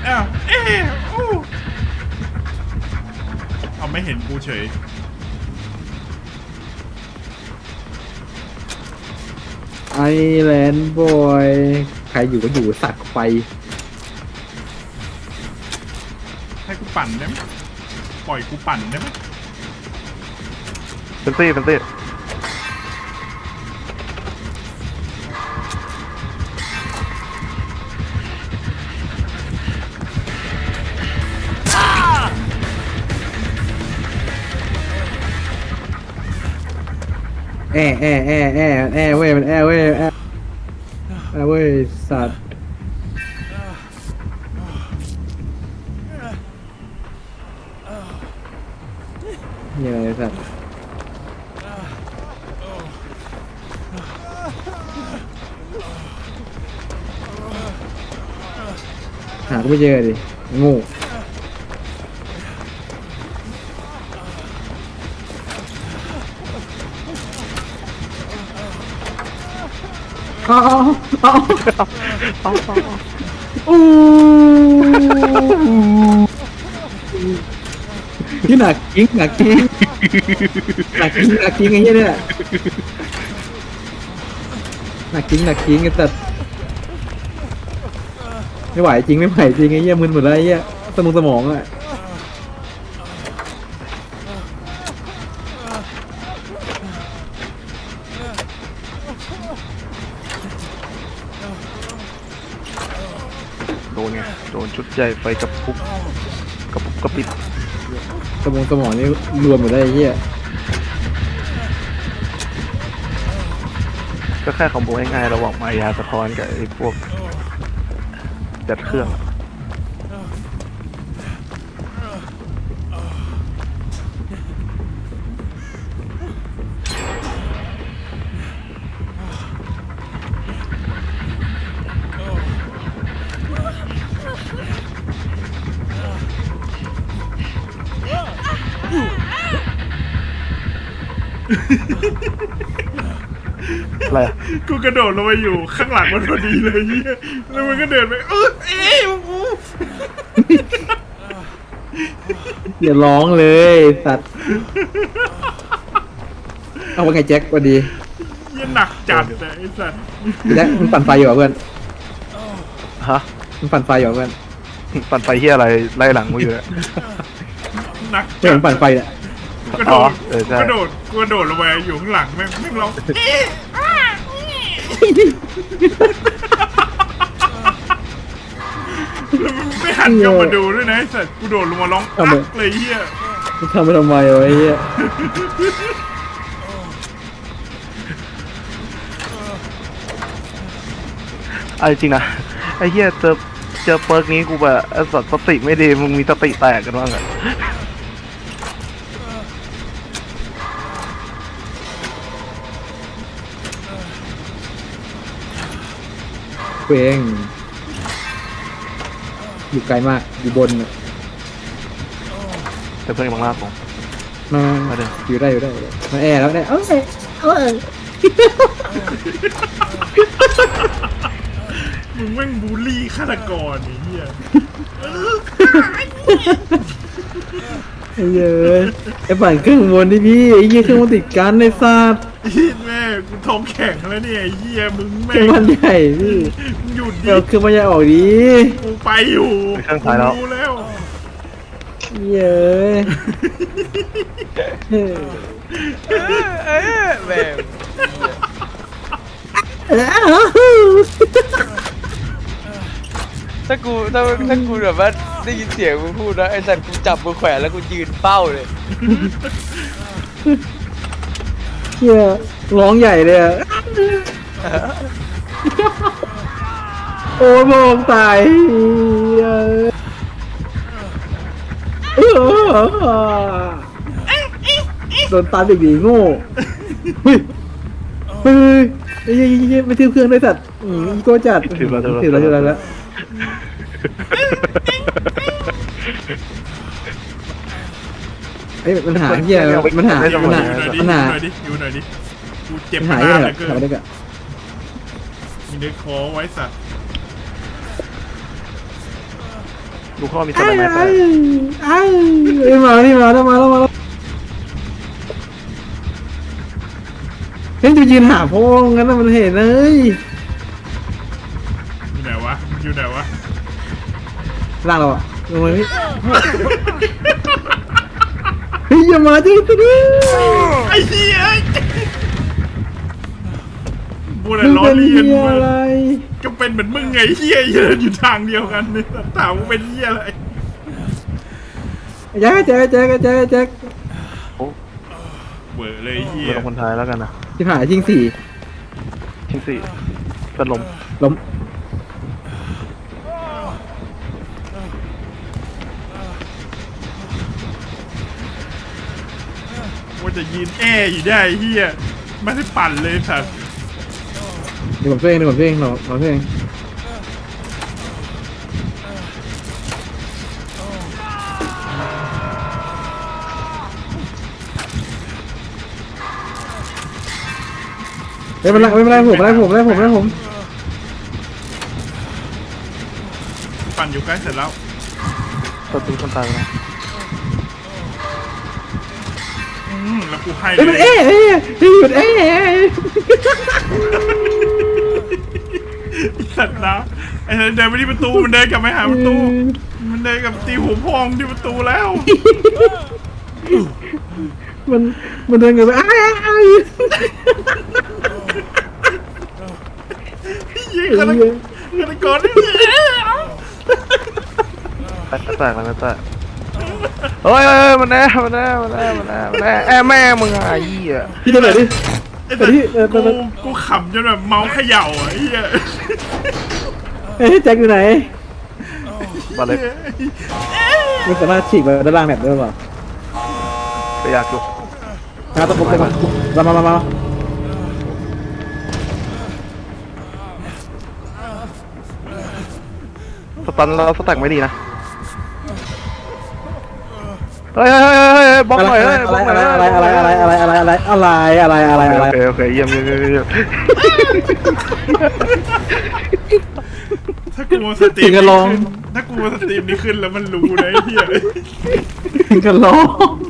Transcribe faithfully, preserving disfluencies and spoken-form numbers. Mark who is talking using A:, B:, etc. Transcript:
A: อ้าวเอ๊ะเอาไม่เห็นกูเฉย
B: ไอแลนด์บอยใครอยู่ก็อยู่สักไฟ
A: ให้กูปั่นได้ไหมปล่อยกูปั่นได้ไหม
C: เป็นตี้เป็นตี้
B: แอแอแอแอแอเว้ยมันแอเว้ยแอแอเว้ยสัตว์เหี้ยอะไรสัตว์หาก็ไม่เจอดิโง่เอาเอาเอาเอาอู้นี่หนักจริงหนักจริงหนักจริงหนักจริงไอ้เหี้ยเนี่ยหนักจริงหนักจริงไอ้สัตว์ไม่ไหวจริงไม่ไหวจริงไอ้เหี้ยมึนหมดแล้วไอ้เหี้ยสมองสมองอ่ะ
C: โดนไงโดนชุดใหญ่ไฟกระปุกกระปุกกระปิด
B: สมองสมองนี่รวมหมดแล้วไอ้เหี้ย
C: ก็แค่คอมโบง่ายๆระหว่างมายาสะท้อนกับไอ้พวกจัดเครื่องอะไร
A: กูกระโดดลงไปอยู่ข้างหลังมันพอดีเลยเฮียแล้วมันก็เดินไปเออเอ๊ะกู
B: อย่าร้องเลยสัตว์เอาว่าไงแจ็คสวัสดี
A: ยังหนักจัดแต่ไอ้สัตว์
B: แจ็คมึงปั่นไฟอยู่เหรอเพื่อน
C: ฮะ
B: มึงปั่นไฟอยู่เหรอเพื่อน
C: ปั่นไฟเฮียอะไรไล่หลังกูอยู่เนี่ย
A: หนัก
B: เพื่อนปั่นไฟเนี่ย
A: กระโดดกระโดดกระโดดลงไปอยู่ข้างหลังแม่งแม่งร้องไม่หันกลับมาดูด้วยนะไอ้สัตว์กูโดดลงมาร้องอักเลยเฮีย
B: มึงทำไปทำไมวะไอ้เหี้ย
C: ไอ้จริงนะไอ้เฮียเจอเจอเปิร์กนี้กูแบบสัตว์สติไม่ดีมึงมีสติแตกกันบ้างอะ
B: เพื่องอยู่ไกลมากอยู่บนน่ะ
C: แต่เพื่อนบางลาผม
B: มาอยู่ได้อยู่ได้มาแอร์แล้วเนี่ยเอ้ยเอ้ย
A: มึงแม่งบูลลี่ฆาตกรไอ้เหี้ย
B: ไอ้เย้ยไอ้ปั่นเครื่องบนที่พี่ไอ้เหี้ยเครื่องมันติดกันในซาด
A: แม่กูท้องแข็งแล้วเนี่ยไอ้เหี้ยมึงแม่
B: เครื่องมันใหญ่พี่
A: มึงหยุดดิ
B: เดี๋ยวเครื่องมันใหญ่ออกดิ
A: กูไปอยู่
C: เครื่องถ่ายแล้ว
A: แล้ว
B: เย้ย
D: แม่ถ้ากูถ้าถ้ากูแบบว่าได้ยินเสียงมึงพูดนะไอ้สัตว์กูจับมือแขวนแล้วกูยืนเป้าเลย
B: เฮียร้องใหญ่เลยอ่ะโอ้มองตายโดนตามเด็กดีโง่เฮ้ยเฮ้ยไอ้ยี่ไม่ทิ้งเครื่องด้วยสัตว์อีโก้จัดถือแล้วถือแล้วถือแล้วแล้วไอ้ปัญหาเหี้ยปัญหาปัญหาปัญหา
A: อยู่หน่อยดิกูเจ็บ
B: หายเลยเกิน
A: มีเด็กคอไว้สัตว์
C: ดูเขามีส
B: ไอ้
C: ไนเปอ
B: ไอ้
C: ร์
B: ไอ้ไอ้มานี่มาแล้วมาแล้วมาแล้วเฮ้ยจะยืนหาพ่องั้นน่ะมันเห็นเลย
A: อยู่ไหนวะอยู่ไหนวะ
B: ล่างเราอะลงไปพี่เฮ้ยอย่ามาดิดิ
A: ไอ้เหี้ยบูด
B: มึง
A: ล้อ
B: เป็น
A: เลียน
B: เหี้ย
A: มึง
B: อะไร
A: ก็เป็นเหมือนมึงไงเหี้ยเดินอยู่ทางเดียวกันเนี่ยถามว่าเป็นเหี้ยอะไร
B: แจ็คแจ็คแจ็คแจ็คแจ็ค
C: โอ้
A: เบื่อเลยเหี้ย
C: เราคนไทยแล้วกันนะ
B: ที่ผ่านทิ้งสี่
C: ทิ้งสี่เป็นลม
B: ล้ม
A: ว่าจะยืนแออยู่ได้เหี้ยไม่ได้ปั่นเลยสัตว์
B: เดี๋ยวผมช่วยเองเดี๋ยวผมช่วยเองเราเราช่วยเองไม่เป็นไรไม่เป็นไรผมไม่เป็นไรผมไม่เป็นไรผมไม่เป็นไรผม
A: ปั่นอยู่ใกล้เสร็จแล้ว
C: ตัวตีคนตายไปแล้ว
A: อืมแล้วกูให้
B: เฮ้ยมัน
A: เล
B: เอ๊ะ
A: ย
B: เอ๊ะเฮ้ยหยุดเอ๊ะ
A: สัตว์นะไอ้เดินไปที่ประตูมันเดินกลับไปหาประตู มันเดินกับตีหัวพองที่ประตูแล้ว
B: มันมันเดินกันไปอ้ายอ้ายอ้าย
A: ยิงกันกันก่อน
C: แตกแตกแล้วแตกเฮ้ยเฮ้ยมันแน่มันแน่มันแน่มันแน่มันแน่แอบแม่มึงอ่ะไอ้เหี้ย
B: พี่ตัวไหนดิ
A: ไอ้แต่กูกูขำจนแบบเมาส์เขย่าอ่ะไอ้เหี้ย
B: เอ้ยแจ็คอยู่ไหน
C: บาเล็ก
B: มันสามารถฉีกไปด้านล่างแบบได้หรือเปล่า
C: ไปอยากอยู่
B: มาตะปุกเลยมามามามา
C: สตันแล้วสแต็กไม่ดีนะเฮ้ยเฮ้ยเฮ้ยเฮ้ยบล็อกหน่อยเฮ้ยบล็อกหน่อย
B: อะไรอะไรอะไรอะไรอะไรอะไรอะไรอะไรอะไรอะไร
C: โอเคโอเคเยี่ยมเยี่ยมเยี่ยมเยี่ยม
A: ถ้ากูสตรีมถ้ากูสตรีมนี่ขึ้นแล้วมันรู้นะไอ้เหี้ย
B: ถึงกันร้อง